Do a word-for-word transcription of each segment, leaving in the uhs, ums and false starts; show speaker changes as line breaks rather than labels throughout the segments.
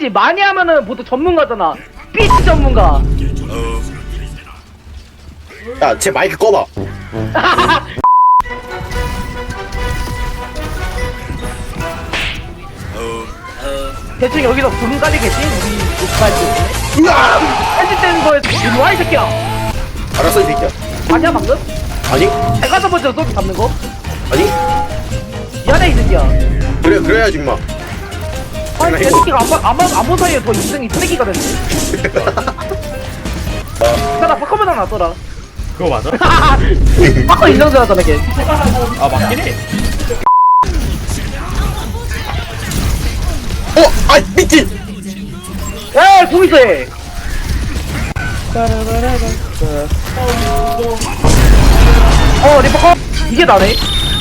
알지? 많이 하면은 보통 전문가잖아. 삐치 전문가.
야, 제 마이크 꺼봐.
대충 여기서 부름 깔리겠지? 우리 녹화할 때.
으아!
편집되는 거에서 이리 와, 이 새끼야.
알았어, 이 새끼야.
아니야, 방금?
아니?
내가 첫 번째로 소리 잡는 거?
아니?
미안해, 이 새끼야.
그래, 그래야지, 임마.
아니, 이 새끼가 아무, 아무, 아무 사이에 더 인생이 쓰레기가 됐네. 나 바꿔면 나왔더라.
그거 맞아?
바꿔 인정되었잖아, 걔.
아 맞긴 해.
어! 아, 미친!
야, 공 있어, 얘. 어, 리퍼 컷. 이게 나네.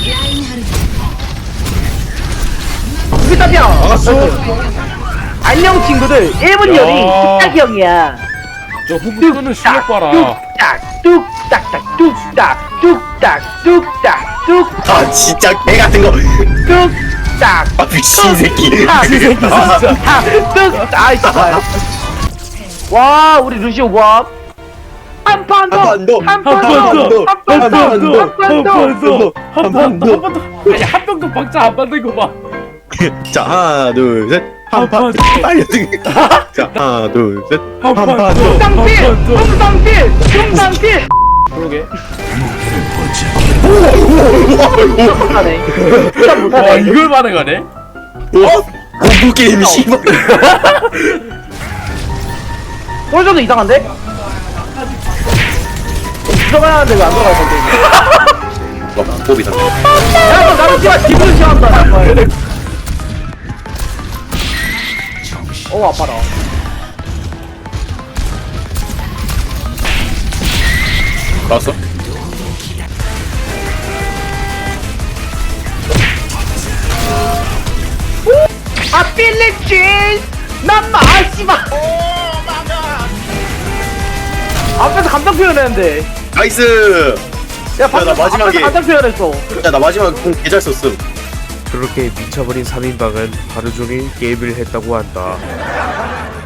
이게 답이야.
막았어.
안녕, 친구들. 일 분 열이
야.
뚝딱이 형이야.
저 후보 끄는 실력 봐라.
뚝딱, 뚝딱딱, 뚝딱, 뚝딱, 뚝딱, 뚝딱,
아, 진짜 개 같은 거.
뚝딱.
아, 미친 새끼.
뚝딱,
이 새끼 진짜.
뚝딱. 아이, 진짜. 와, 우리 루시오 와. 한 판 더,
한 판 더,
한 판
한
더,
판 더,
한 판
한
더,
판 더,
한 판 더.
한 번 더, 한 번 더. 아니 한 병도 박자 안 받는 거 봐.
자, 하나, 둘, 셋. 한 판. 빨리 등. 자, 하나, 둘, 셋.
한
한
판
판.
더.
뚱땅필!
한 판 더.
뚱땅필! 뚱땅필!
그러게.
진짜 못하네. 진짜
와
못하네.
이걸 반응하네?
어? 공부 게임 씨발.
꼴저도 이상한데? 들어가야 하는데 왜 안 들어갈 건데?
어, 뽀비다.
야, 너 나는 씨발 기분을 싫어한다. 정말. 어, 아파라.
나왔어?
아, 필리핀! 난 마, 아, 씨발! 앞에서 감정 표현했는데.
나이스!
야, 방금
나 마지막에-
앞에서 감정 표현했어.
야, 나 마지막에 공 개 잘 썼음.
그렇게 미쳐버린 삼 인방은 하루 종일 게임을 했다고 한다.